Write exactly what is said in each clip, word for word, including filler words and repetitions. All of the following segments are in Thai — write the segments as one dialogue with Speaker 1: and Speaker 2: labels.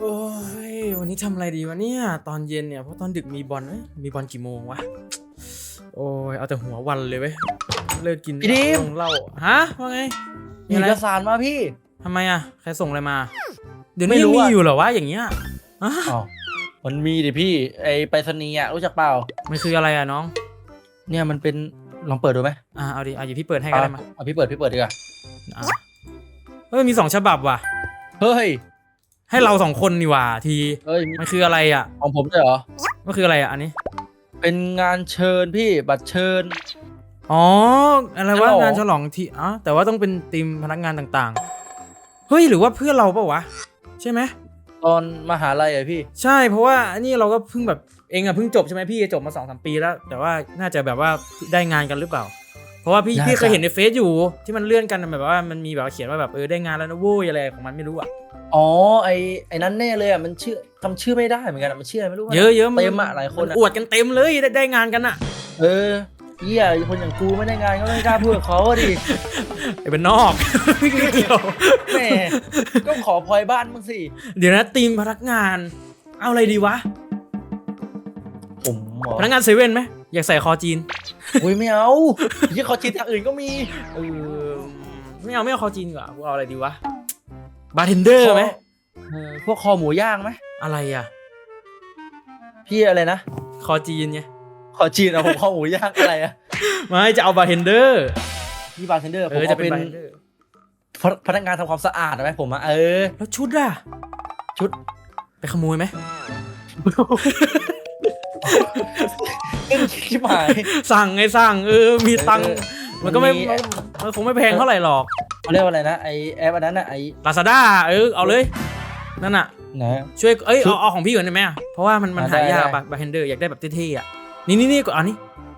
Speaker 1: โอ้ยวันนี้ทำอะไรดีวะเนี่ยตอนเย็นเนี่ยเพราะตอนดึกมีบอลเอ้ยมีบอลกี่โมงวะโอ้ยเอาแต่หัววันเลยเว้ยเลิกกิน
Speaker 2: พี่ดิม
Speaker 1: ลงเหล้าฮะว่าไง
Speaker 2: มีเอกสารมาพี่
Speaker 1: ทำไมอ่ะใครส่งอะไรมาเดี๋ยวนี้
Speaker 2: ไม่
Speaker 1: ยั
Speaker 2: รู้
Speaker 1: งมี
Speaker 2: อะ
Speaker 1: อยู่เหรอวะอย่างเงี้ยฮะ
Speaker 2: อ๋อมันมีดิพี่ไอไปรษณีย์อ่ะรู้จักเปล่า
Speaker 1: มันคืออะไรอ่ะน้อง
Speaker 2: เนี่ยมันเป็นลองเปิดดูไหม
Speaker 1: อ่าเอาดิเอาอยู่พี่เปิดให้ก็ได้มา
Speaker 2: เอาพี่เปิดพี่เปิดดีกว่า
Speaker 1: อ่ะเฮ้ยมีสองฉบับว่ะ
Speaker 2: เฮ้ย
Speaker 1: ให้เราสองคนนี่หว่าที
Speaker 2: เฮ้ยมี
Speaker 1: มันคืออะไรอ่ะ
Speaker 2: ของผมด้วยเหรอ
Speaker 1: มันคืออะไรอ่ะอันนี้
Speaker 2: เป็นงานเชิญพี่บัตรเชิญ
Speaker 1: อ๋ออะไรวะ
Speaker 2: ฉลอง
Speaker 1: งานฉลองที่อ๋อแต่ว่าต้องเป็นทีมพนักงานต่างๆเฮ้ยหรือว่าเพื่อนเราเปล่าวะใช่ไหม
Speaker 2: ตอนมหาลัยอะพี่
Speaker 1: ใช่เพราะว่าอันนี้เราก็เพิ่งแบบเองอะเพิ่งจบใช่ไหมพี่จบมาสองสามปีแล้ว แต่ว่าน่าจะแบบว่าได้งานกันหรือเปล่า เพราะว่าพี่
Speaker 2: น่าจะ
Speaker 1: พี่เคยเห็นในเฟซอยู่ที่มันเลื่อนกันแบบว่ามันมีแบบว่าเขียนว่าแบบเออได้งานแล้วนะโว้ยอะไรของมันไม่รู้อะ
Speaker 2: อ๋อไอไอนั้นแน่เลยอ่ะมันชื่อจำชื่อไม่ได้เหมือนกันอะมันชื่ออะไรไม่รู้
Speaker 1: เยอะเยอะๆน
Speaker 2: เต็มอะหลายคน
Speaker 1: มั
Speaker 2: อะ
Speaker 1: อวดกันเต็มเลยได้ได้งานกันอะ
Speaker 2: เออเหี้ยคนอย่างกูไม่ได้งานก็ไม่กล้าพูดกับเขาอะดิ
Speaker 1: ไอ้เป็นนอก ไม่เกี่ยว
Speaker 2: แหม่ก็ขอพลอยบ้านมึงสิ
Speaker 1: เดี๋ยวนะทีมพนักงาน เอาอะไรดีวะ
Speaker 2: ผมเหรอ
Speaker 1: พนักงานเซเว่นไหมอยากใส่คอจีน
Speaker 2: อุ้ยไม่เอาที่เขาชิดทางอื่นก็มี
Speaker 1: เออไม่เอาไม่เอาคอจีนดีกว่ากูเอาอะไรดีวะบาร์เทนเดอร์ไหม
Speaker 2: เออพวกคอหมูย่างไหม
Speaker 1: อะไรอะ
Speaker 2: พี่อะไรนะ
Speaker 1: คอจีนไง
Speaker 2: ขอจีนเอาผมคอหมูย่างอะไรอะ
Speaker 1: ไม่จะเอาบาร์เทนเดอร์
Speaker 2: พี่บาร์เทนเดอร์
Speaker 1: เอ
Speaker 2: ผม
Speaker 1: อจะ
Speaker 2: เอา
Speaker 1: เป็
Speaker 2: เป็น น
Speaker 1: บาร์เทนเดอร์
Speaker 2: พพนักงานทำความสะอาดไหมผมอะเออ
Speaker 1: แล้วชุดอะ
Speaker 2: ชุด
Speaker 1: ไปขโมยไหม
Speaker 2: เล่นชิบหาย
Speaker 1: สั่งไงสั่งเออมีตังค์
Speaker 2: เออ
Speaker 1: มันก็ไม่
Speaker 2: มันมี
Speaker 1: มันคงไม่แพงเท่าไหร่หรอก
Speaker 2: เขาเรียกว่าอะไรนะไอแอปอันนั้นอะไอ
Speaker 1: ลาซาด้าเออเอาเลยนั่นอะ
Speaker 2: นะ
Speaker 1: ช่วยเอ้ย
Speaker 2: ชุด
Speaker 1: เอาเอาของพี่ก่อนได้ไหมอะเพราะว่ามันมัน
Speaker 2: อ่ะ
Speaker 1: หายาก
Speaker 2: ได้
Speaker 1: บาบาร์เทนเดอร์อยากได้แบบเท่ๆอะนี่นี่นี่ก่อนอันนี้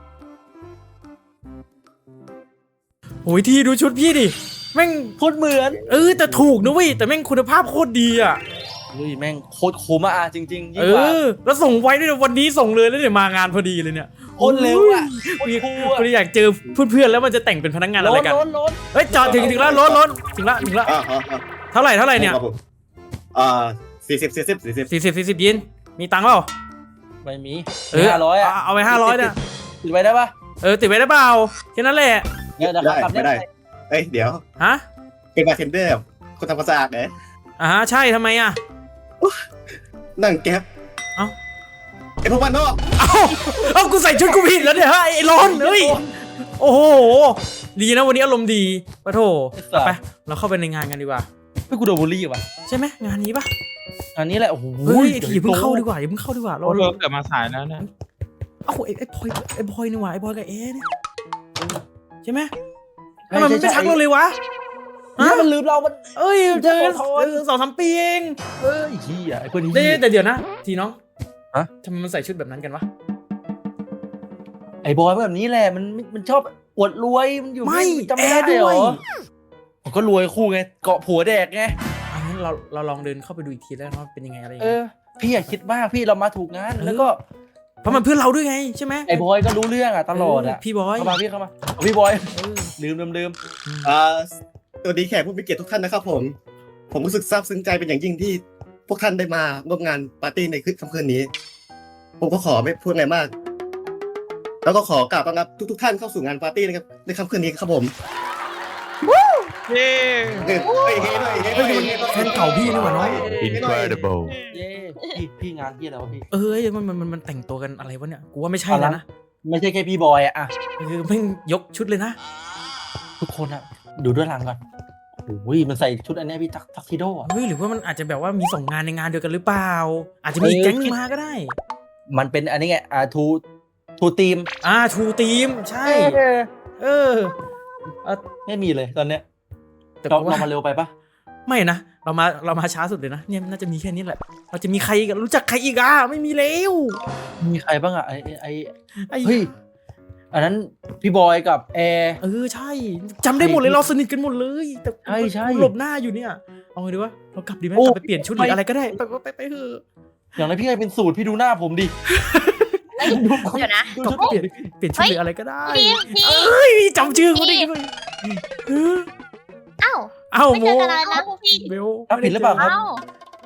Speaker 1: โอ้ยที่ดูชุดพี่ดิแม่ง
Speaker 2: พูดเหมือน
Speaker 1: เออแต่ถูกนะเว้ยแต่แม่งคุณภาพโคตรดีอะ
Speaker 2: อุ้ยแม่งโคตรคุ้มอะจริงๆยิ่ง
Speaker 1: เอก
Speaker 2: ว่า
Speaker 1: อแล้วส่งไว้ด้วยนะวันนี้ส่งเลยแล้วเดี๋ยวมางานพอดีเลยเนี่ย
Speaker 2: โคตรเร็วอะโคตรคูลอะ
Speaker 1: พอดีอยากเจอเพื่อนๆแล้วมันจะแต่งเป็นพนักงานอะไรกัน
Speaker 2: ล้นล้น
Speaker 1: เฮ้ยจอดถึงถึงแล้วรถรถถึงแล้วถึงแล้ว
Speaker 3: อ่าอ่าอ่า
Speaker 1: เท่าไหร่เท่าไหร่เนี่ย
Speaker 3: ครับผมอ่าสี่สิบสี่สิบสี่สิบ
Speaker 1: สี่สิบสี่สิบยินมีตังค์เปล่า
Speaker 2: ไม่มี
Speaker 1: เออ
Speaker 2: ห้าร้อยอะ
Speaker 1: เอาเอาไปห้าร้อยเนี่ย
Speaker 2: ติดไว้ได้ปะ
Speaker 1: เออติดไว้ได้เปล่าแค่นั้นแหละ
Speaker 2: เดี๋ยวเดี๋ยว
Speaker 3: ได้
Speaker 2: กลับ
Speaker 3: ไม่ได้ เอ้ยเดี๋ยว
Speaker 1: ฮะ
Speaker 3: เป็นบาร์เทนเดอร์คนทำความสะอาดเนี่ย
Speaker 1: อ่าฮะใช่ทำไมอ่ะ
Speaker 3: นั่งแก๊ป
Speaker 1: เอ้า
Speaker 3: ไอพวกบ้านนอก
Speaker 1: เอ้าเอ้ากูใส่ชุดกูผิดแล้วเนี่ยเฮ้ยไอ้ร้อนเฮ้ยโอ้โหดีนะวันนี้อารมณ์ดีปะโถไปเราเข้าไปในงานกันดีกว่า
Speaker 2: ไม่กูโดนบูลลี่ว่ะ
Speaker 1: ใช่ไหมงานนี้ปะ
Speaker 2: อันนี้แหละโอ้โห
Speaker 1: เฮ้ยไอ้ทีอย่าเพิ่งเข้าดีกว่าอย่าเพิ่งเข้าดีกว่าเรา
Speaker 4: เราเกิดมาสายแล้วนะ
Speaker 1: เอ้าไอ้ไอ้พลอยไอ้พลอยนี่หว่าไอ้พลอยกับเอเนี่ยใช่ไหม
Speaker 2: ใช่
Speaker 1: ทำไมมันไม่
Speaker 2: ใช่
Speaker 1: ทักเราเลยวะ
Speaker 2: ฮะมันลืมเรา มัน
Speaker 1: เอ้ยเจอ
Speaker 2: ขอโทษ
Speaker 1: สองสามปีเอง
Speaker 2: เอ้ยเฮียไอ้คนนี้
Speaker 1: เดี๋ยวแต่เดี๋ยวนะทีน้อง
Speaker 2: ฮะ
Speaker 1: ทำไมมันใส่ชุดแบบนั้นกันวะ
Speaker 2: ไอ้บอยแบบนี้แหละมันมันชอบอวดรวยมันอยู่
Speaker 1: ไม่
Speaker 2: จำ
Speaker 1: แอ
Speaker 2: ไม่
Speaker 1: ร์
Speaker 2: ได้
Speaker 1: ด้
Speaker 2: เหร
Speaker 1: วย
Speaker 2: อผมก็รวยคู่ไงเกาะผัวแดกไง
Speaker 1: อันนั้นเราเราลองเดินเข้าไปดูอีกทีแล้วกันว่าเป็นยังไงอะไรยัง
Speaker 2: เอ
Speaker 1: ไง
Speaker 2: อพี่อย่าคิดมากพี่เรามาถูกงาน
Speaker 1: เออ
Speaker 2: แล้วก็
Speaker 1: เพราะมันเพื่อนเราด้วยไงใช่ไหม
Speaker 2: ไอ้บอยก็รู้เรื่องอ่ะตลอดอ่ะ
Speaker 1: เพี่บอย
Speaker 2: เข้ามาพี่เข้ามาเอาพี่บอย
Speaker 1: เออ
Speaker 2: ลืมลืมลืม
Speaker 3: อ่าสวัสดีแขกผู้มีเกียรติทุกท่านนะครับผม ผมรู้สึกซาบซึ้งใจเป็นอย่างยิ่งที่พวกท่านได้มาร่วมงานปาร์ตี้ในค่ำคืนนี้ ผมก็ขอไม่พูดอะไรมาก แล้วก็ขอกราบต้อนรับทุกๆท่านเข้าสู่งานปาร์ตี้นะครับในค่ำคืนนี้ครับผม
Speaker 4: เย้
Speaker 3: เฮ้ยเฮ้ยเฮ้ยเฮ้ยเฮ้ยเฮ้ยเฮ้ย
Speaker 1: แฟนเก่าพี่นี่หว่าน้อง
Speaker 4: Incredible
Speaker 2: เย้พี่พี่งานพี่อะไรวะพี่
Speaker 1: เอ้ยมันมันมันมันแต่งตัวกันอะไรวะเนี่ยกูว่าไม่ใช่แล้วนะ
Speaker 2: ไม่ใช่แค่พี่บอยอ่ะอะ
Speaker 1: คือแม่งยกชุดเลยนะ
Speaker 2: ทุกคนอ่ะดูด้วยหลังก่อนโอ้ยมันใส่ชุดอันเนี้ยพี่ทักทักซิโดอ่ะ
Speaker 1: เฮ้ยหรือว่ามันอาจจะแบบว่ามีส่งงานในงานเดียวกันหรือเปล่า อาจจะมีแก๊งมาก็ได้
Speaker 2: มันเป็นอันนี้ไงอ่าทูทูทีม
Speaker 1: อ่าทูทีมใช่
Speaker 2: เออ
Speaker 1: เออเออ
Speaker 2: ไม่มีเลยตอนเนี้ย
Speaker 1: แต่
Speaker 2: เรา
Speaker 1: กูว่า
Speaker 2: เรามาเร็วไปปะ
Speaker 1: ไม่นะเรามาเรามาช้าสุดเลยนะเนี่ยน่าจะมีแค่นี้แหละเราจะมีใครกันรู้จักใครอีกอ่ะไม่มีแล้ว
Speaker 2: มีใครบ้างอ่ะไอไอไอ
Speaker 1: ไอ้
Speaker 2: เฮ้ยอันนั้นพี่บอยกับแอร์
Speaker 1: เออใช่จำได้หมดเลยเราสนิทกันหมดเลยแต่
Speaker 2: ใช่ใช่
Speaker 1: หลบหน้าอยู่เนี่ยเอาไงดีวะเรากลับดีไหม
Speaker 2: โอ้
Speaker 1: กลับไปเปลี่ยนชุดหรือ
Speaker 2: ไป
Speaker 1: อะไรก็ได้ไปไปไปไปเถอะ
Speaker 2: อย่างนั้นพี่ให้เป็นสูตรพี่ดูหน้าผมดิ
Speaker 5: เฮ้ยเดี๋ยวนะ
Speaker 1: กลับไปเปลี่ยนเปลี่ยนชุดหรืออะไรก็ได้
Speaker 5: พี่พี่
Speaker 1: เอ้ยจำชื่อเขาได้ด้วยเออ
Speaker 5: เอ้า
Speaker 1: เอ้า
Speaker 5: ไม่
Speaker 1: โม
Speaker 5: เจอกันนานแล้วพวกพี่
Speaker 1: เบล
Speaker 2: รับผิดหรือเปล่าครับ
Speaker 5: เอ้า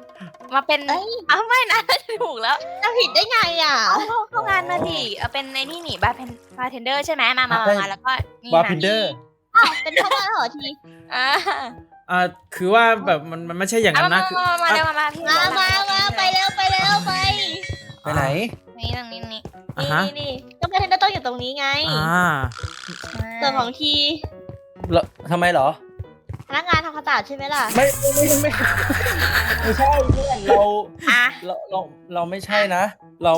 Speaker 5: มาเป็นอ้าวไม่นะถูกแล้ว
Speaker 6: จะผิดได้ไงอ่ะ
Speaker 5: เอาเข้าเข้างานมาดิเอาเป็นในนี่นี่บาร์เพนบาร์เทนเดอร์ใช่ไหมมามามามาแล้วก็นี่
Speaker 2: บาร์พินเดอร์
Speaker 6: อ้าวเป็นพนักงานเหรอที
Speaker 5: อ่า
Speaker 1: อ่าคือว่าแบบมันมันไม่ใช่อย่าง
Speaker 5: เอา
Speaker 1: นั้น
Speaker 5: มา
Speaker 1: นะคือ
Speaker 5: มามาเร็วมามาพี่
Speaker 6: มามามาไปเร็วไปเร็วไป
Speaker 2: ไปไหน
Speaker 5: นี่ตรงนี้นี่
Speaker 1: อ่าฮะ
Speaker 6: นี่นี่ก็เป็นเทนเดอร์ต้องอยู่ตรงนี้ไง
Speaker 1: อ่า
Speaker 6: ส่วนของที
Speaker 2: แล้วทำไมเหรอ
Speaker 6: พนักงานทำความสะอาดใช่ไหมล่ะ
Speaker 2: ไม่ไม่ไม่ไม่ไม่ใช่เพื่อนเรา
Speaker 5: อ่ะ
Speaker 2: เราเราเราไม่ใช่นะ เรา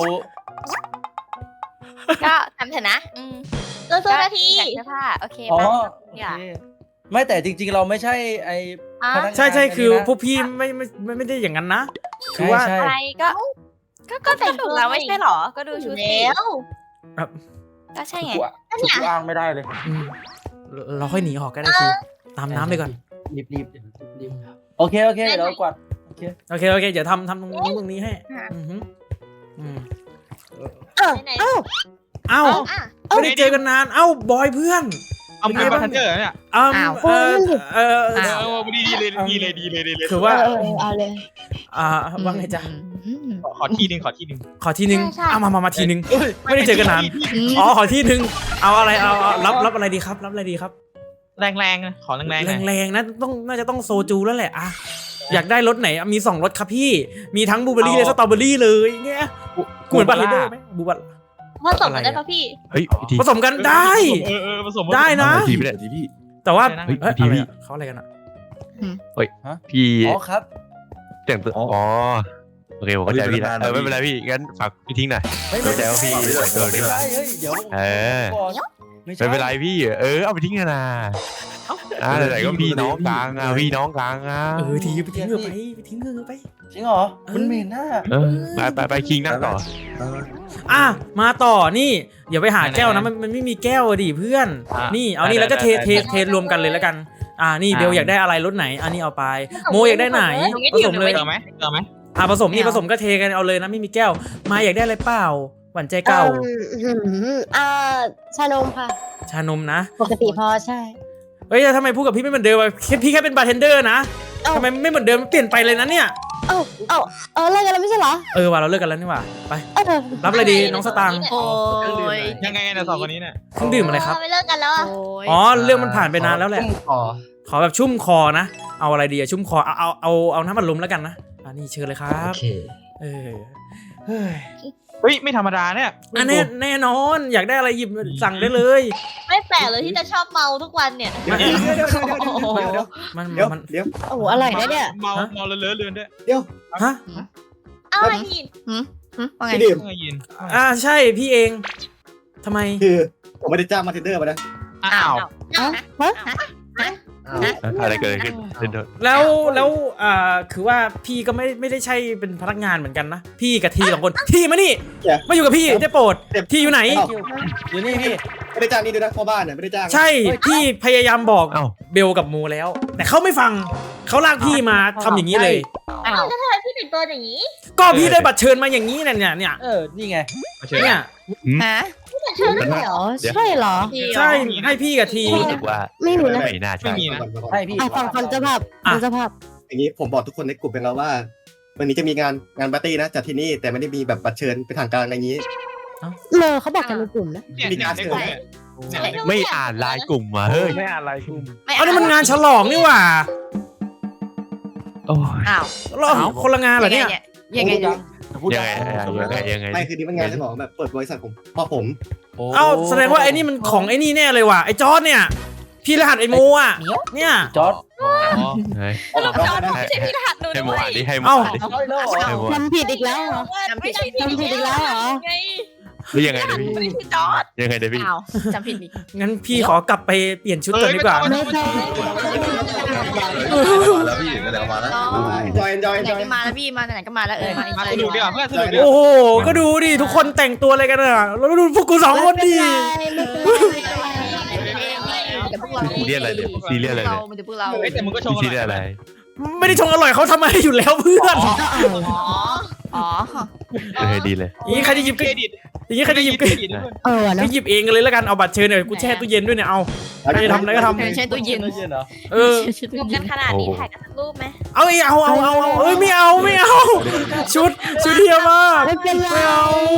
Speaker 5: ก็ทำเถอะนะอืม
Speaker 6: เรื่องนาที
Speaker 5: อยากเสื้อผ้าโอเค
Speaker 2: อ๋อ
Speaker 5: ป่ะ
Speaker 2: โอ
Speaker 5: อย่า
Speaker 2: เคไม่แต่จริง ๆ เราไม่ใช่ไอ
Speaker 5: อ่ะ
Speaker 2: พนักงาน
Speaker 1: ใช่ใช่คือ
Speaker 2: อันนี้นะ
Speaker 1: พวกพี่ไม่ไม่ไม่ไม่ได้อย่างนั้นนะคือ
Speaker 2: ใช่
Speaker 1: ว่า
Speaker 2: ใช่
Speaker 5: อะไรก็ ก็ก็แต่งถูกแล้วไม่ใช่หรอ ก็ดูชุดสิ
Speaker 6: แล้ว
Speaker 5: ก็ใช่ไง
Speaker 2: กูอะกูอ้างไม่ได้เลย
Speaker 1: อืมเราค่อยหนีออกก็ได้คือตามน้ำไปก่อน
Speaker 2: รีบรีบรีบโอเคโอเคเดี๋ยวกวาดโอเค
Speaker 1: โอเคโอเคเดี๋ยวทำทำตรงนู้นตรงนี้ให้อือหืออืม
Speaker 6: ไหน
Speaker 1: เอ้า
Speaker 6: อ่ะ
Speaker 1: ไม่ได้เจอกันนานเอ้าบอยเพื่อน
Speaker 4: เอาเป็นบาร์เทนเดอร์เนี่ย
Speaker 1: อ้าวเออเออ
Speaker 4: เออดีดีเลยดีเลยดีเลยดีเลย
Speaker 1: คือว่า
Speaker 6: เออเอาเลย
Speaker 1: อ่าว่าไงจ๊ะ
Speaker 4: ขอที่หนึ่งขอที่หนึ่ง
Speaker 1: ขอทีนึง
Speaker 6: ใช่ใช่
Speaker 1: เอามามามาทีนึงไม่ได้เจอกันนานอ๋อขอที่นึงเอาอะไรเอาเอารับรับอะไรดีครับ รับอะไรดีครับ
Speaker 4: แรงแรงนะขอแรงแรง
Speaker 1: แรงๆนะต้องน่าจะต้องโซจูแล้วแหละอะอยากได้รสไหนอ่ะมีสองรสครับพี่ มีทั้งบลูเบอร์รี่และสตรอเบอร์รี่เลยเนี่ยเหมือนบาร์เทนเดอร์ไหมบูบัต
Speaker 6: ผสมกันได้ปะพี่
Speaker 7: เฮ้ยพี่ที
Speaker 1: ผสมกันได้
Speaker 4: เออเออผสม
Speaker 1: ได้นะ
Speaker 7: ทีไม่ได้ทีพี่
Speaker 1: แต่ว่า
Speaker 4: เฮ้ย
Speaker 1: เอ้ย
Speaker 7: ที
Speaker 1: อะไร
Speaker 7: พี่
Speaker 1: อะเขาอะไรกันอ่ะ
Speaker 7: พี่
Speaker 2: อ๋อครับ
Speaker 7: แต่งตัวอ๋อโอเคผมเข้าใจพี่แล้วเออไม่เป็นไรพี่งั้นฝากพี่ทิ้งหน่อย
Speaker 2: ไม่
Speaker 7: เข้าใจว่าพี่แต่งตัว
Speaker 2: ไม่
Speaker 7: นี่
Speaker 2: ใช่เฮ้ยเดี๋ยว
Speaker 7: เออ
Speaker 2: ก่อนไม่ใช่
Speaker 7: ไม่เป็นไรพี่เออเอาไปทิ้งนะอ่าไหนๆก็พี่น้องกลางอ่ะพี่น้องกลางอ่ะ
Speaker 1: เออทีไปทิ้งเงือไปไปทิ้งเงือไป
Speaker 2: จริงเหรอมันเหม็นน่ะ
Speaker 7: เออไปไปไปคิงนั่งต่อ
Speaker 1: อ่ะมาต่อนี่เดี๋ยวไปหาแก้วนะมันมันไม่มีแก้วอะดิเพื่อน นี่เอานี่แล้วก็เทเทเทรวมกันเลยแล้วกัน อ่านี่เบลอยากได้อะไรรสไหนอันนี้เอาไป โมอยากได้ไหนผสมเลย
Speaker 4: เจอไหมเจอไหม
Speaker 1: อ่าผสมนี่ผสมก็เทกันเอาเลยนะไม่มีแก้วมาอยากได้อะไรเปล่าหวานใจเก่า
Speaker 6: อ่าชานมค่ะ
Speaker 1: ชานมนะ
Speaker 6: ปกติพอใช่
Speaker 1: เฮ้ยทำไมพูดกับพี่ไม่เหมือนเดิมอะแค่พี่แค่เป็นบาร์เทนเดอร์นะ
Speaker 6: เอ้า
Speaker 1: ทำไมไม่เหมือนเดิมเปลี่ยนไปเลยนะเนี่ย
Speaker 6: เอ้าเอ้าเออเลิกกันแล้วไม่ใช่เหรอ
Speaker 1: เออว่ะเราเลิกกันแล้วนี่หว่าไป
Speaker 6: เออ
Speaker 1: รับอะไรดีน้องสตางค์
Speaker 5: โอ้ย
Speaker 4: ยังไงเนี่ยสองคนนี้เนี่ย
Speaker 1: เครื่องดื่มอะไรครับ
Speaker 6: ไม่เลิกกันแล้วอ่ะ
Speaker 5: โอ้ย
Speaker 1: อ๋อเรื่องมันผ่านไปนานแล้วแหละ
Speaker 2: อ๋อ
Speaker 1: ขอแบบชุ่มคอนะ เอาอะไรดีอะชุ่มคอ เอาเอาเอาเอาน้ำมันลมแล้วกันนะอันนี้เชิญเลยครับ เออ เฮ้ย
Speaker 4: เฮ้ยไม่ธรรมดาเนี่ย
Speaker 1: อันแน่แน่นอน อยากได้อะไรหยิบสั่งได้เลย
Speaker 6: ไม่แปลกเลยที่จะชอบเมาทุกวันเนี่ย
Speaker 3: เดี๋ยวเดี๋ยวเดี๋ยวเดี๋ยวเดี๋ยวเดี๋ยว
Speaker 1: มัน
Speaker 3: เดี๋ยว
Speaker 1: มัน
Speaker 3: เดี๋ยว
Speaker 6: โอ้โหอร่อยนะเนี่ย
Speaker 4: เมาเมาเลอะเลือนด้วย
Speaker 1: ฮะ
Speaker 6: เอาอะไรอีก
Speaker 5: ว่าไง
Speaker 3: พี่ดิม
Speaker 4: เพิ่งยิน
Speaker 1: อ่าใช่พี่เองทำไม
Speaker 3: คือผมไม่ได้จ้างมาร์เทนเดอร์มานะ
Speaker 4: อ้าว
Speaker 6: ฮะฮะ
Speaker 7: อะไรเกิดขึ้นเดิน
Speaker 1: แล้วแล้วอ่าคือว่าพี่ก็ไม่ไม่ได้ใช่เป็นพนักงานเหมือนกันนะ พี่กับทีสองคน ทีมานี่มาอยู่กับพี่ได้โปรดทีอยู่ไหน
Speaker 2: อยู่นี่พี่
Speaker 3: ไม่ได้จ้างนี่ด้วยนะพ่อบ้านเนี่ยไม่ได้จ้าง
Speaker 1: ใช่พี่พยายามบอก
Speaker 7: เอ้า
Speaker 1: เบลกับโมแล้ว แต่เขาไม่ฟังเขาลากพี่มาทำอย่างนี้เลย
Speaker 6: อ้าวแล้วทำไมพี่แต่งตัวอย่างนี้
Speaker 1: ก็พี่ได้บัตรเชิญมาอย่างนี้เนี่ยเนี่ยเนี่ย
Speaker 2: เออนี่ไง
Speaker 1: เนี่ย
Speaker 5: ฮะ
Speaker 6: พี่แต่งเชิญได้เหรอใช่เหรอ
Speaker 1: ใช่ให้พี่กับที
Speaker 7: รู้สึกว่า
Speaker 6: ไม่มีนะ
Speaker 7: ไม่น่า
Speaker 4: ไม่
Speaker 7: ใช่
Speaker 4: มีนะ
Speaker 2: ใช่พี่
Speaker 6: อ่ะฟังฟังเจ้าภาพฟังเจ้าภาพ
Speaker 3: อย่างนี้ผมบอกทุกคนในกลุ่มเป็นแล้วว่าวันนี้จะมีงานงานปาร์ตี้นะจัดที่นี่แต่ไม่ได้มีแบบบัตรเชิญเป็นทางการอะไรอย่างนี้
Speaker 6: เลอเขาบอกกันในกลุ่มนะ
Speaker 4: เนี่ยเนี่ยในกลุ่มเนี่ยเนี่ย
Speaker 7: ไม่อ่านไลน์กลุ่มมาเฮ้ย
Speaker 4: ไม่อะไรกลุ่ม
Speaker 1: เอานี่มันงานฉลองนี่หว่า
Speaker 7: โอ้ย
Speaker 5: อ้าว
Speaker 1: เราคนละงานเหรอเนี่ย
Speaker 5: ยังไงเนี่ย
Speaker 7: ยังไงยังไงยังไง
Speaker 3: ไม่คือนี่มันงานฉลองแบบเปิดบริษัทผมพ่อผม
Speaker 1: เอ้าแสดงว่าไอ้นี่มันของไอ้นี่แน่เลยว่ะไอ้จอร์ดเนี่ย พี่รหัสไอ้โมอ่ะเนี่ย
Speaker 2: จอร์ด
Speaker 7: เฮ้ย
Speaker 3: ออกนอกนะ
Speaker 5: ไม่ใช่พี่รหัสหนู
Speaker 7: ให้โม
Speaker 5: ด้วย
Speaker 7: อ่านดิให้โม
Speaker 1: เอ้า
Speaker 7: อ่านดิ
Speaker 2: เอาอีกแล้วเหรอ
Speaker 7: ให้โมอ่าน
Speaker 6: ทำผิดอีกแล้วเหรอ
Speaker 5: ไม่ใช่พี่
Speaker 6: ทำผิดอีกแล้วเหรอ
Speaker 5: ไง
Speaker 7: หรือยังไงเดี๋ยวพี่
Speaker 5: ไม่ใช่จอร์ด
Speaker 7: ยังไงเดี๋ยวพี่
Speaker 5: อ้าวจำผิดอีก
Speaker 1: งั้นพี่ขอกลับไปเปลี่ยนชุดก่อนดีกว่า
Speaker 6: ไม่ใช่
Speaker 8: แล้วพี่ก็เดี๋ยวมาแล้ว
Speaker 3: จอยจอย
Speaker 5: ไหน
Speaker 3: จอย
Speaker 5: ก็มาแล้วพี่มาไหนก็มาแล้วเออมาอีก
Speaker 4: มา
Speaker 5: เล
Speaker 4: ส
Speaker 5: ย
Speaker 4: นุกดีกว่าเพื่อนสนุกดีกว่า
Speaker 1: โอ้โหก็ดูดิทุกคนแต่งตัวอะไรกันอ่ะแล้วดูพวกกูสองคนดิ
Speaker 7: ซีเรียสอะไรเนี่ยซีเรียสอะไรเนี่ย
Speaker 5: มันจะพวกเรา
Speaker 4: เฮ้ยแต่มึงก็ชง
Speaker 7: ซีเรียสอะไร
Speaker 1: ไม่ได้ชงอร่อยเขาทำมาให้อยู่แล้วเพื่อน
Speaker 5: อ๋ออ๋อ
Speaker 7: เออดีเลย
Speaker 1: นี่ใครจะหยิบ
Speaker 4: เครดิต
Speaker 1: อย่างงี้ใครจะหยิบ
Speaker 6: เออ
Speaker 1: ก็
Speaker 6: นะ
Speaker 1: หยิบเองกันเลยแล้วกันเอาบัตรเชิญเนี่ยกูแช่ตู้เย็นด้วยเนี่ยเอาใครจะทำอะไรก็ทำ
Speaker 6: ใช้ตู้เย็น
Speaker 2: ตู้เย็นเหรอ
Speaker 1: เออ
Speaker 5: รวมกันขนาดนี้ถ่ายกันสักรูปไหม
Speaker 1: เอาไอ้เอาเอาเอาเอาเอ้ยไม่เอาไม่เอาชุดชุดเทียมาก
Speaker 6: ไม่เป็นไร
Speaker 1: ไม่เอา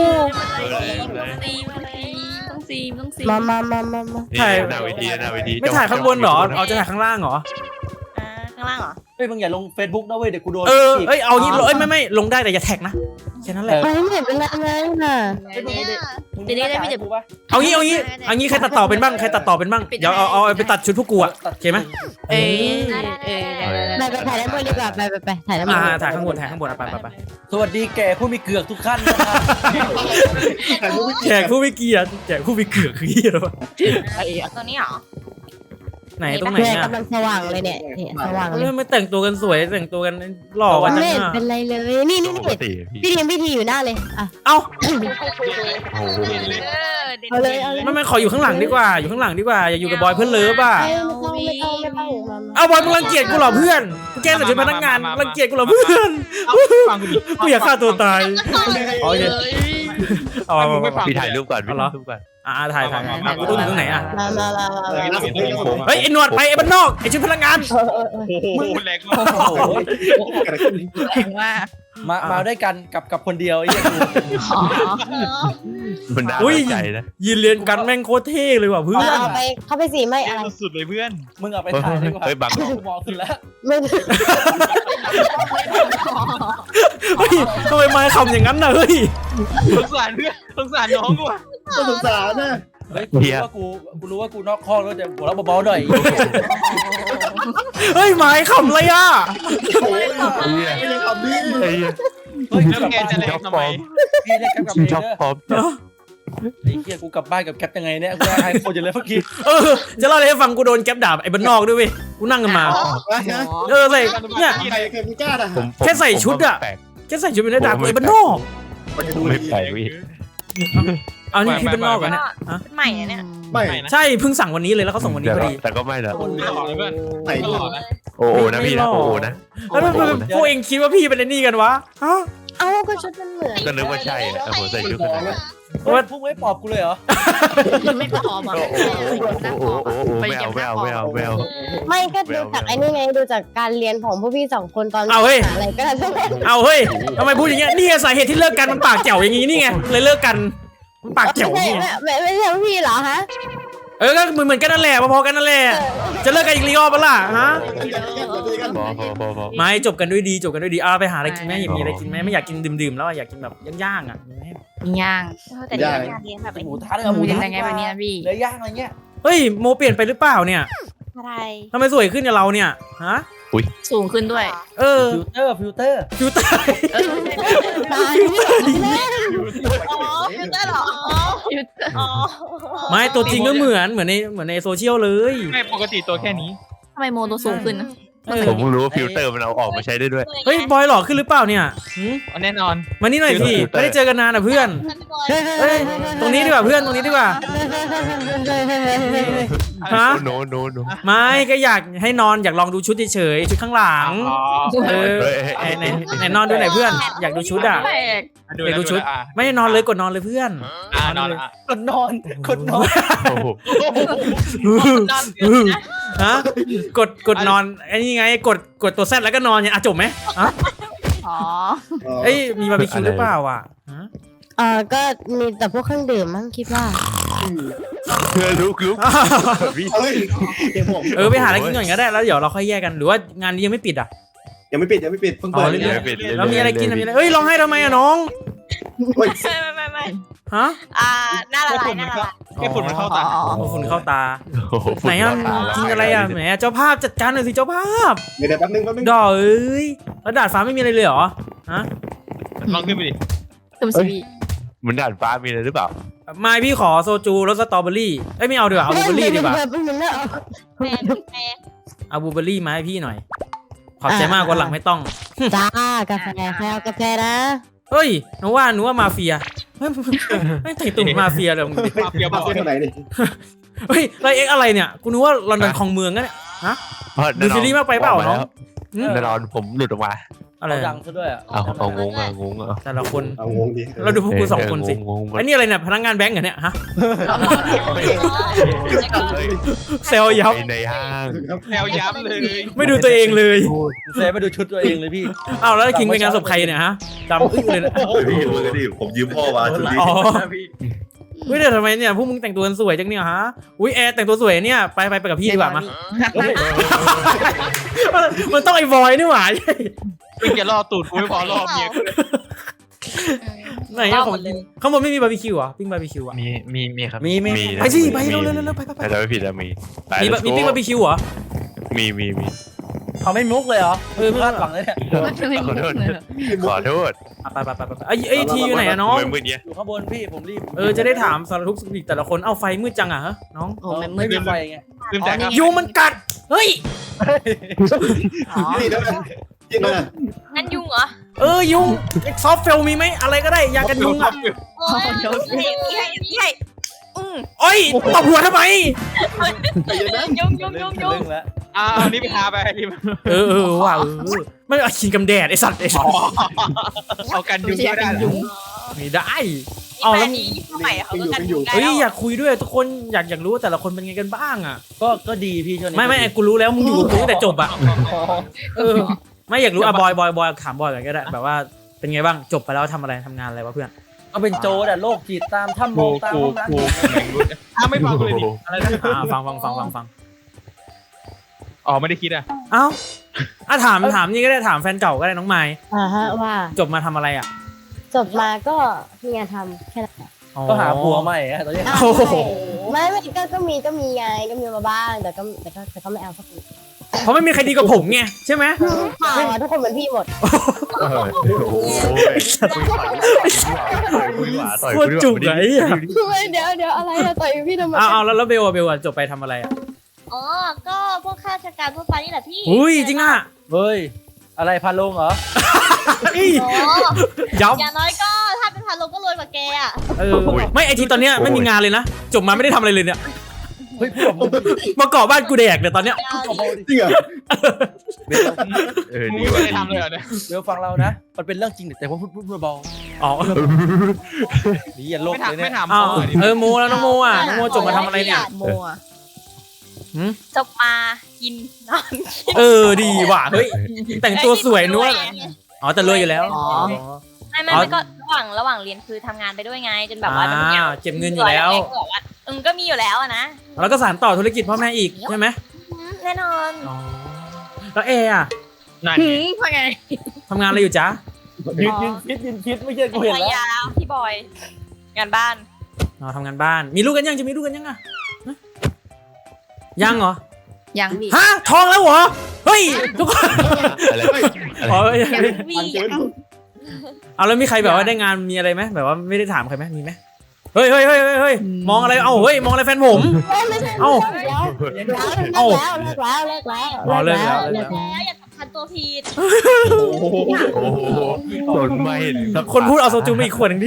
Speaker 5: ต้องซีต้องซี
Speaker 6: มามามามามา
Speaker 7: นี่หน้าเวทีหน้าเวที
Speaker 1: ไม่ถ่ายข้างบนเหรอเอาจะถ่ายข้างล่างเหรอ
Speaker 5: อ่าข้างล่างเหรอ
Speaker 2: เฮ้ยมึงอย่าลง Facebook นะเว้ยเดี๋ยวกูโดน
Speaker 1: เออเอ้ยเอางี้เอ้ยไม่ไม่ลงได้แต่อย่าแท็กนะแค่นั้นแหละ
Speaker 6: เฮ้ยไม่เห็นเป็นไรเลยน่ะ
Speaker 2: มึงได้ได้ไม่เจ็บกูปะ
Speaker 1: เอางี้เอางี้เอางี้ใครตัดต่อเป็นบ้างใครตัดต่อเป็นบ้างเดี๋ยวเอาเอาไปตัดชุดพวกกูอะโอเคไหม
Speaker 6: เอ้ย
Speaker 5: เออ
Speaker 6: ไปไปถ่ายด้านบนดีกว่าไปไปไปถ่ายด้านบ
Speaker 1: อ่าน ถ่ายข้างบนถ่ายข้างบนไปไปไป
Speaker 2: สวัสดีแก่ผู้มีเกือกทุกท่านนะครับ
Speaker 3: ถ่ายรูปไม่
Speaker 1: แจกผู้ไม่เกียรติแจกผู้ไม่เกือกคือเหี้ยอะไรวะ
Speaker 5: ตัวนี้เหรอ
Speaker 1: ไหนตรงไหน
Speaker 6: แม่
Speaker 1: อ่ะ
Speaker 6: กำลังสว่างเลยเนี่ยเนี่ยสว่างเลย
Speaker 1: เฮ้ยไม่แต่งตัวกันสวยแต่งตัวกันหล่อกัน
Speaker 6: ไม่
Speaker 1: จัง
Speaker 6: เห็น
Speaker 1: อ่ะ
Speaker 6: เป็นไรเลย นี่นี่
Speaker 7: ป
Speaker 6: นี่
Speaker 7: กติพี่
Speaker 6: พี่ทีมพี่ทีอยู่หน้าเลยอ่ะ
Speaker 1: เอ้า
Speaker 7: โอ้โห
Speaker 5: เออเด่น
Speaker 6: เอาเลยเอาเลย
Speaker 1: ไม่ไม่ขออยู่ข้างหลังดีกว่าอยู่ข้างหลังดีกว่าอย่าอยู่กับบอยเพื่อนเลิฟอ่ะ
Speaker 6: ไม่ต้องไม่ต้องไม่ต้องมามา
Speaker 1: เอาบอยมึงรังเกียจกูเหรอเพื่อนกูแกล้งใส่ชุดพนักงานรังเกียจกูเหรอเพื่อน
Speaker 4: ฟังกูดิ
Speaker 1: กูอยากฆ่าตัวตายโอเคเอาเอา
Speaker 4: ไม่
Speaker 1: เอา
Speaker 4: ฟัง
Speaker 7: พี่ถ่ายรูปก่อนพี่
Speaker 1: เอาเหรอ
Speaker 7: ถ่ายรูปก่อน
Speaker 1: อ่าถ่ายถ่ายถ่ายกูต้องอยู่ตรงไหนอ่ะ
Speaker 6: มามามามา
Speaker 3: เออน่าสนใจครับผม
Speaker 1: เฮ้ยไอ้หนวดไปไอ้บ้านนอกไอ้ชุดพนักงาน
Speaker 6: เออเออเออ
Speaker 4: โอ้โหแรงมาก
Speaker 2: โอ้โห
Speaker 3: เกิดอะไรขึ้น
Speaker 6: แรงมาก
Speaker 2: มามาด้วยกันกับกับคนเดียวไอ้เหี้ยกู
Speaker 7: มันน่า
Speaker 1: อุ้ย
Speaker 7: สนใจนะ
Speaker 1: ยืนเรียนกันแม่งโคตรเท่เลยว่ะเพื่อน
Speaker 6: เอาไปเข้าไปสิไม่อะไร
Speaker 4: สุดเลยเพื่อน
Speaker 2: มึงเอาไปถ่ายดีกว่า
Speaker 7: เฮ้ยบัง
Speaker 2: กูมองขึ้นแล้ว
Speaker 6: ไม่
Speaker 1: เฮ้ยทำไมไม้คำอย่างนั้นน่ะเฮ้ย
Speaker 4: สงสารเพื่อนสงสารน้องกูอ่ะ
Speaker 3: น่าสงสารนะ
Speaker 2: เฮ้ยกูรู้ว่ากูกูรู้ว่ากูนอกข้อแล้วจะหัวเราะเบาๆหน่อย
Speaker 1: เฮ้ยไม้คำอะไรอ่ะ
Speaker 3: โอ้ยไม่ใช่คำนี้
Speaker 7: ไอ้เหี้ย
Speaker 2: เฮ้ย
Speaker 4: แล้วแกจะแรงทำไม
Speaker 2: พี่เรียกแก๊ปกลับ
Speaker 7: ชิง
Speaker 2: เอง
Speaker 7: ช็อป
Speaker 2: เด้อ
Speaker 7: พร้อม
Speaker 2: ไอ้เหี้ยกูกลับบ้านกับแก๊ปยังไงเนี่ยกูให้โคตรจะเลยเมื่อกี้
Speaker 1: เออจะเล่าอะไรให้ฟังกูโดนแก๊ปด่าไอ้บ้านนอกด้วยเว้ยกูนั่งกันมา เออใส่เนี่ย
Speaker 3: ใครเคยมีกล้าด่ะ
Speaker 7: ผมผม
Speaker 1: แค่ใส่ชุดอะ
Speaker 7: แปลก
Speaker 1: แค่ใส่ชุดเป็นได้ด่ากูไอ้บ้านนอก
Speaker 3: มันจะดู
Speaker 7: ไม่
Speaker 3: ดี
Speaker 7: แปลกพี่
Speaker 1: เอานี่พี่บ้านนอกเหรอเนี่ยฮะ
Speaker 5: ใหม่อะเนี่ย
Speaker 3: ไม่
Speaker 1: ใช่เพิ่งสั่งวันนี้เลยแล้วเขาส่งวันนี้พอดี
Speaker 7: แต่ก็ไม่นะ
Speaker 2: คน
Speaker 4: หล่อเลยเพื่อน
Speaker 3: ใส่
Speaker 4: หล่อนะ
Speaker 7: โอ้โหนะพี่นะโอ้โหนะ
Speaker 1: แล้วทำไมพวกเองคิดว่าพี่เป็นไอ้นี่กันวะฮะ
Speaker 6: เอาก็ชุดมันเหมือน
Speaker 7: ก็นึกว่าใช่อะผมใส่ชุด
Speaker 3: ข
Speaker 7: ข
Speaker 3: อ
Speaker 7: นาด
Speaker 3: ง
Speaker 7: นั้น
Speaker 2: เฮ้ยพวกไม่ปอบกูเลยเหรอ
Speaker 6: ไม่พอมา
Speaker 7: โอ้โหโอ้โหโอ้โหไม่เอาไม่เอาไม่เอาไม่เอา
Speaker 6: ไม่ก็ดูจากไอ้นี่ไงดูจากการเรียนของพวกพี่สองคนตอน
Speaker 1: เอาเฮ้ย
Speaker 6: อะไรก็ได้
Speaker 1: เอาเฮ้ยทำไมพูดอย่างเงี้ยนี่ไงสาเหตุที่เลิกกันมันปากแจ๋วอย่างงี้นี่ไงเลยเลิกกันมันปากแจ๋ว
Speaker 6: ไม่
Speaker 1: นี่ไง
Speaker 6: ไม่ไม่ใช่พี่เหรอฮะ
Speaker 1: เออก็เหมือนเหมือนกันนั่นแหละพอๆกันนั่นแหละจะเลิกกันอีกรอบปะล่ะฮะ
Speaker 7: พอพอพอพอ
Speaker 1: ไม่จบกันด้วยดีจบกันด้วยดีเอาไปหาอะไรกินไหมอยากมีอะไรกินไหมไม่อยากกินดื่มๆแล้วอะอยากกินแบบย่างๆอ่ะมีไหม
Speaker 6: ย่าง
Speaker 5: แต่นี่งานเลี้ยงแบบ
Speaker 2: หมูทะเลยหมูทะ
Speaker 6: ยังไงวันนี้พี่
Speaker 2: เนื้อย่างอะไรเงี้ย
Speaker 1: เฮ้ยโมเปลี่ยนไปหรือเปล่าเนี่ย
Speaker 5: อะไร
Speaker 1: ทำไมสวยขึ้นกับเราเนี่ยฮะ
Speaker 6: สูงขึ้นด้วย
Speaker 1: เออ
Speaker 2: ฟิลเตอร์ฟิลเตอร์
Speaker 1: ฟิวตาย
Speaker 6: ตาย
Speaker 5: อ๋อฟิลเตอร์เหรออ๋อ
Speaker 1: ไม่ตัวจริงก็เหมือนเหมือนในเหมือนในโซเชียลเลย
Speaker 4: ไม่ปกติตัวแค่นี้
Speaker 6: ทำไมโมตัวสูงขึ้นนะ
Speaker 1: เออ
Speaker 7: ผมเพิ่งรู้ว่าฟิลเตอร์มันเอาออกมาใช้ได้ด้วย
Speaker 1: เฮ้ยบอยหล่อขึ้นหรือเปล่าเนี่ยหืม
Speaker 4: แน่นอน
Speaker 1: มานี่หน่อยสิไม่ได้เจอกันนานอ่ะเพื่อนเฮ้ยตรงนี้ดีกว่าเพื่อนตรงนี้ดีกว่าฮะ
Speaker 7: โนโนโน
Speaker 1: ไม่ก็อยากให้นอนอยากลองดูชุดเฉยๆชุดข้างหลัง
Speaker 4: อ๋อ
Speaker 1: เออไหนไหนไหนนอนดูหน่อยเพื่อน อยากดูชุดอ่ะ
Speaker 4: ดู
Speaker 1: เดี๋ยวดูชุด
Speaker 4: อ่ะ
Speaker 1: ไม่ได้นอนเลยกดนอนเลยเพื่อน
Speaker 4: อ่ะนอนอ่ะ
Speaker 2: คนนอนคนนอน
Speaker 7: โอ้โห
Speaker 5: นอน
Speaker 1: ฮะกดกดนอนไอ้นี่ไงกดกดตัวแซดแล้วก็นอนเนี่ยอ่ะจบไหมอ่ะ
Speaker 6: อ๋อ
Speaker 1: เอ้ยมีบาร์บีคิวหรือเปล่าอ่ะฮะ
Speaker 6: เออก็มีแต่พวกเครื่องดื่มมั้งคิดว่า
Speaker 7: เพื่อลุกลุกพี่
Speaker 3: เฮ้ยเดี๋ยวผม
Speaker 1: เออไปหาอะไรกินก่อนก็ได้แล้วเดี๋ยวเราค่อยแยกกันหรือว่างานนี้ยังไม่ปิดอ่ะ
Speaker 3: ยังไม่ปิดยังไม่ปิดเพิ่ง
Speaker 1: อ๋
Speaker 3: เปิ
Speaker 1: อ
Speaker 3: ด
Speaker 1: เรื่
Speaker 3: เรื่
Speaker 1: อ
Speaker 3: อย
Speaker 7: ปิด
Speaker 1: แล้วมีอะไรกินมีอะไรเอ้ยร้องไห้ทำไมอ่ะน้อง
Speaker 3: ๆเฮ้ย
Speaker 5: ไม่ไม่ไม่
Speaker 1: ฮะ
Speaker 5: อ่าหน้าละลายหน้าละลาย
Speaker 4: แค่ฝุ่นมันเข้าตา
Speaker 1: โอ้ฝุ่นเข้าตา
Speaker 7: โอ้โห
Speaker 1: ไหนอ่ะกินอะไรอ่ะแหมเจ้าภาพจัดการหน่อยสิเจ้าภาพ
Speaker 3: เดี๋ยวแป๊บนึงแป๊บนึง
Speaker 1: ดอกเอ้ยแล้วดาดฟ้าไม่มีอะไรเลยเหรอฮะ
Speaker 4: ลองขึ้นไปดิ
Speaker 6: ตุ้มสี
Speaker 7: มันด่านฟ้ามีอะไรหรือเปล่า
Speaker 1: ไม่พี่ขอโซจูรสสตรอเบอรี่เอ้ยไม่เอาดีกว่าเอาบลูเบอรี่ดีกว่า
Speaker 5: แม่แม่
Speaker 1: เอาบลูเบอรี่มาให้พี่หน่อยขอบใจมากวันหลังไม่ต้อง
Speaker 6: จ้ากาแฟใครเอากาแฟนะ
Speaker 1: เฮ้ยหนูว่าหนูว่ามาเฟียเฮ้ยไม่แต่งตัวเหมือนมาเฟียเลยมึงดิ
Speaker 4: มาเฟียบ
Speaker 3: มา
Speaker 4: อก
Speaker 3: เส้นไหนนี่
Speaker 1: เฮ้ยไรเอ็กอะไรเนี่ยกูนึกว่าลอนดอนคลองเมืองนะเนี่ย
Speaker 7: เพราะ
Speaker 1: ดูซีรีส์มากไปเปล่าน้อง
Speaker 7: แน่นอนผมหลุดออกมา
Speaker 1: อะไร
Speaker 2: เขาดังซะด้วยอ่ะ
Speaker 7: เอาเอางงอ่ะงงอ่ะ
Speaker 1: แต่ละคน
Speaker 3: เอางงดิ
Speaker 1: เราดูพวกกูสองคนสิ
Speaker 7: งง
Speaker 1: ไอ้นี่อะไรเนี่ยพนักงานแบงก์เหรอเนี่ยฮะเซลยับ
Speaker 7: ในห้าง
Speaker 4: แนวย้ำเลย
Speaker 1: ไม่ดูตัวเองเลย
Speaker 2: เซฟไปดูชุดตัวเองเลยพี่
Speaker 1: อ้าวแล้วคิงไปงานศพใครเนี่ยฮะจำอึ้งเลยนะ
Speaker 8: พี่มือดิผมยืมพ่อมาชุดนี้
Speaker 1: อ๋อเฮ้ยแต่ทำไมเนี่ยพวกมึงแต่งตัวกันสวยจังเนี่ยฮะอุ้ยแอร์แต่งตัวสวยเนี่ยไปไปไปกับพี่ดีกว่ามามันต้องไอ้บอยนี่หว่า
Speaker 4: มึงจะล่อตูดกูไม่พอล่อเมียกูเลย
Speaker 1: ไหนอะของกินข้างบนไม่มีบาร์บีคิวเหรอปิ้งบาร์บีคิวอะ
Speaker 7: มีมีมีครับ
Speaker 2: มีมี
Speaker 7: มี
Speaker 1: ไปสิไปเร็วเร็วเร็วไปไปไป
Speaker 7: แต่จะไม่ผิดแล้วมีไป
Speaker 1: มีบะมีปิ้งบาร์บีคิวเหรอ
Speaker 7: มีมีมี
Speaker 2: เขาไม่มุกเลยเหรอเออพลาดหวังเลยเนี่ย
Speaker 7: ขอโทษขอโทษ
Speaker 1: อ่ะไปไปไปไปไอ้ไอ้ทีอยู่ไหนอะน้อง
Speaker 7: มือมือเนี้ย
Speaker 2: อยู่ข้างบนพี่ผมรีบ
Speaker 1: เออจะได้ถามสารทุกข์สุขดิบแต่ละคนเอาไฟมืดจังอะฮะน้อง
Speaker 6: โอ้แม่มื
Speaker 2: ไม่
Speaker 6: ด
Speaker 2: มีไฟไง
Speaker 4: ลืมแต่ครับ
Speaker 1: ยุงมันกัดเฮ้ย
Speaker 3: นี่นะจริงนะ
Speaker 5: นั่นยุงเหรอ
Speaker 1: เออยุงซอฟเฟลมีไหมอะไรก็ได้ยากันยุงอะ
Speaker 5: โอ้ยพี่ให้พี่ให้อืม
Speaker 1: โอ้ยตบหัวทำไม
Speaker 5: ยุงยุงยุงยุง
Speaker 2: เรื่องแล้ว
Speaker 4: อ่าเอานี่ไปทาไปนี่
Speaker 1: เออเออว่ะเออไม่เอาขีนกำแดดไอสัตว์ไอสัตว์
Speaker 4: เอากันยุงก็ได้
Speaker 1: ไม่ได้
Speaker 5: เอา
Speaker 1: เอา
Speaker 5: แล้
Speaker 1: แล้ว ว
Speaker 5: นี้สมัยเขาก็กันยุงได้
Speaker 1: เฮ้ย
Speaker 5: แล้ว
Speaker 1: อยากคุยด้วยทุกคนอยากอยากรู้ว่าแต่ละคนเป็นไงกันบ้างอะ
Speaker 2: ก็ก็ดีพี่ช่วงนี้
Speaker 1: ไม่ไม่ไอ้กูรู้แล้วมึงอยู่กับกูตั้งแต่จบอะเออไม่อยากรู้อะบอยบอยบอยถามบอยก่อนก็ได้แบบว่าเป็นไงบ้างจบไปแล้วทำอะไรทำงานอะไรวะเพื่อน
Speaker 2: ก็เป็นโจรแต่โรคจิตตามถ้ำโม
Speaker 7: กู
Speaker 2: งตาม
Speaker 7: กู
Speaker 2: ห้องน้ำ
Speaker 7: กู
Speaker 4: อ้าไม่ฟังเลยดิ
Speaker 1: อะไรนะอ่าฟังฟังฟังฟังฟัง
Speaker 4: อ๋อไม่ได้คิดอ่ะ
Speaker 1: เอ้าอ่ะถามถามนี่ก็ได้ถามแฟนเก่าก็ได้น้องไม้
Speaker 6: อ่าฮะว่า
Speaker 1: จบมาทำอะไรอะ
Speaker 6: จบมาก็มีงานทำแค่นั้นแหละ
Speaker 1: อ๋อ
Speaker 2: ก็หาผัวใหม่อะตอนนี้
Speaker 6: อ้าว
Speaker 1: โอ้โห
Speaker 6: ไม่ไม่ก็ก็มีก็มีไงก็มีมาบ้างแต่ก็แต่ก็แต่ก็ไม่เอาสักที
Speaker 1: เพราะไม่มีใครดีกว่าผมไงใช่ไหม
Speaker 6: เปล่าอะทุกคนเหมือนพี่หมด
Speaker 7: โอ้โหคุยหวาต่อย
Speaker 1: โคตรจุกไอ้อะ
Speaker 6: เดี๋ยวเดี๋ยวอะไรอะต่อยพี่ทำไม
Speaker 1: เอาเอาแล้วแล้วเบลอะเบลอะจบไปทำอะไรอะ
Speaker 5: อ๋อก็พวกข้าราชการทั่วไปนี่แหละพี่
Speaker 1: อุ้ยจริงอะ
Speaker 2: เฮ้ยอะไรพาลงเหรอ
Speaker 1: เอ้ย
Speaker 5: โอ้
Speaker 1: ย้
Speaker 5: อย่างน้อยก็ถ้าเป็นพันลงก็รวยกว่าแกอ่ะ
Speaker 1: ำเออไม่ไอทีตอนเนี้ยไม่มีงานเลยนะจบมาไม่ได้ทำอะไรเลยเนี่ย
Speaker 2: เฮ้ยพูดแบบ
Speaker 1: มาเกาะบ้านกูแดกเนี่ยตอนเนี้ย
Speaker 3: จริงเหรอ
Speaker 7: เออ
Speaker 4: มึง
Speaker 7: ดี
Speaker 4: ไม่
Speaker 7: ว่ะ
Speaker 4: ได้ทำเลยเหรอเนี่ย
Speaker 2: เดี๋ยวฟังเรานะ มันเป็นเรื่องจริงแต่ว่าพูดพูดเบา
Speaker 1: อ๋อ
Speaker 2: ๆดีอย่าโลก
Speaker 4: ไม่
Speaker 2: เลย
Speaker 4: ถาม
Speaker 2: เนี่ย
Speaker 4: ไม่ถาม
Speaker 1: อ้าว
Speaker 4: พ่อดิ
Speaker 1: เออโมแล้วน้องโมอ่ะน้องโมจบมาทำอะไรเนี่ย
Speaker 6: โมอะ
Speaker 5: จบมากินนอน
Speaker 1: เออดีว่ะเฮ้ยแต่งตัวสวยนู้นอ๋อแต่รวยอยู่แล้วอ๋อ
Speaker 5: ไม่ไม่ไม่ก็ระหว่างระหว่างเรียนคือทำงานไปด้วยไง จนแบบว่า
Speaker 1: อ่าเก็บเงินอยู่แล้ว
Speaker 5: อืมก็มีอยู่แล้วอะนะ
Speaker 1: แล้วก็สานต่อธุรกิจพ่อแม่อีกใช่ไหม
Speaker 5: อืมแน่นอน
Speaker 1: อ๋อแล้วเออะ
Speaker 4: นั่น
Speaker 6: หืมว่าไง
Speaker 1: ทำงานอะไรอยู่จ๊ะ
Speaker 2: ยืนยืนคิดยืนคิดไม่เชื่อกูเห็น
Speaker 5: ภรร
Speaker 2: แล้ว
Speaker 5: ยาพี่บอย งานบ้าน
Speaker 1: อ๋อทำงานบ้านมีลูกกันยังจะมีลูกกันยังอะฮะยังเหรอ
Speaker 6: ยังพี่
Speaker 1: ฮะท้องแล้วเหรอเฮ้ยทุกคน
Speaker 7: อะไร
Speaker 1: อ๋อ
Speaker 5: วี
Speaker 1: เอาแล้วมีใครแบบว่าได้งานมีอะไรไหมแบบว่าไม่ได้ถามใครไหมมีไหมเฮ้ยเฮ้ยเฮ้ยเฮ้ยเฮ้ยมองอะไรเอ้าเฮ้ยมองอะไรแฟนผม เอ้า
Speaker 6: เอ้าเลิกแล้วเลิกแล้ว
Speaker 1: อ๋อเลิกแล้ว
Speaker 6: เลิกแล้ว
Speaker 5: แล้วอย่าสำคัญตัวผิด
Speaker 7: โอ้โหสนมาเห็นสัก
Speaker 1: คนพูดเอาโซจูมาอีกขวดหนึ่งดิ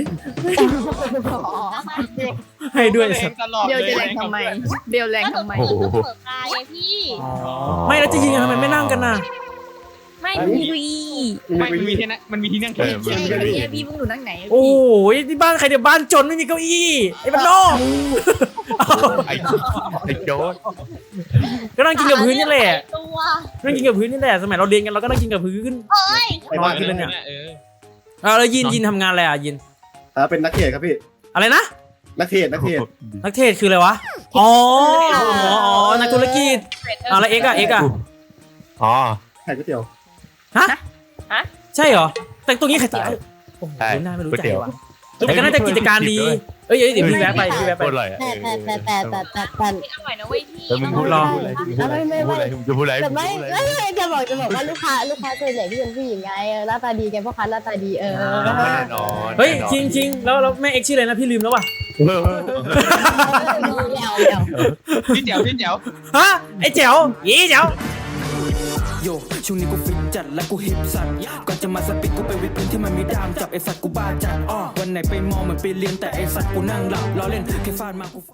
Speaker 1: ให้ด้วย
Speaker 4: เอ
Speaker 1: สั
Speaker 4: ง
Speaker 1: ตว์
Speaker 4: ตลอด
Speaker 6: เบล
Speaker 4: เลย
Speaker 6: จะแรงทำไมเบลแรงทำไม
Speaker 5: ก็หนูเปิดกายไงพี่
Speaker 1: ไม่แล้วจะยิงกันทำไมไม่นั่งกันน่ะ
Speaker 5: ไม่
Speaker 6: พี่
Speaker 5: พี่
Speaker 4: ไม่มันมีที่นั่งมันมีที่นั่ง
Speaker 7: เอ
Speaker 4: แค่
Speaker 7: อมันไม่มี
Speaker 6: พี่มึงอยู่นั่งไหน
Speaker 1: โอ้ยที่บ้านใครเดี๋ยวบ้านจนไม่มีเก้าอี้ไอ้บ้านนอก
Speaker 7: ไอ้ไอ้โจ๊ด
Speaker 1: ก็นั่งกินกับพื้นนี่แหละ
Speaker 5: ตัว
Speaker 1: นั่งกินกับพื้นนี่แหละสมัยเราเรียนกันเราก็นั่งกินกับพื้น
Speaker 5: เอ้ย
Speaker 3: ไปบ้าน
Speaker 1: กินเลยเนี่ย
Speaker 4: เออ
Speaker 1: เอาแล้วยินยินทำงานอะไรอ่ะยิน
Speaker 3: อ่าเป็นนักเทศครับพี่
Speaker 1: อะไรนะ
Speaker 3: นักเทศนักเทศ
Speaker 1: นักเทศคืออะไรวะอ๋ออ๋ออ๋อนักธุรกิจอ่ะแล้วเอ็กอะเอ็กอะ
Speaker 7: อ๋อ
Speaker 3: ขายก๋วยเตี๋ยว
Speaker 1: ใช่เหรอแต่งตัวนี้ใคร
Speaker 7: ใช่
Speaker 1: โอ้โห
Speaker 7: ใช่
Speaker 1: น่าไม่รู้
Speaker 7: ก๋วย
Speaker 1: ใจ
Speaker 7: เตี๋ยว
Speaker 1: ว่ะแต่ก็น่าจะกิจการดีเอ้ยเอ้ยเดี๋ยวพี่แวะไปพี่แวะ
Speaker 7: โค
Speaker 1: ไป
Speaker 7: ตรอร่อยอ่ะ
Speaker 6: แต่แต่แต่แต่แต่แต่
Speaker 5: อร่อยนะเว้ยพี่
Speaker 7: เออมึงพูดอะไรพูดอะไรพูดอะไรพูดอะไรจะพูดอะไร
Speaker 6: แต่ไม่ไม่ไม่จะบอกจะบอกว่าลูกค้าลูกค้าส่วนใหญ่ที่เป็นผู้หญิงไงเออหน้าตาดีแกพ่อค้าหน้าตาดีเออ
Speaker 7: แน่นอน
Speaker 1: เฮ้ยจริงจริงๆแล้วแล้วแม่เอ็กชื่ออะไรนะพี่ลืมแล้วว่ะ
Speaker 6: เดี๋ยวเดี๋ยว
Speaker 4: พี่แจ๋วพี่แจ๋ว
Speaker 1: ฮะไอ้แจ๋วยี่แจ๋ว
Speaker 9: โยช่วงนี้กูฟิตจัดและกูฮิปสัตว์ก่อนจะมาสปิดกูไปวิดพื้นที่มันมีดามจับไอสัตว์กูบ้าจัดอ้อวันไหนไปมองเหมือนไปเรียนแต่ไอสัตว์กูนั่งหลับล้อเล่นแค่ฟาดมากู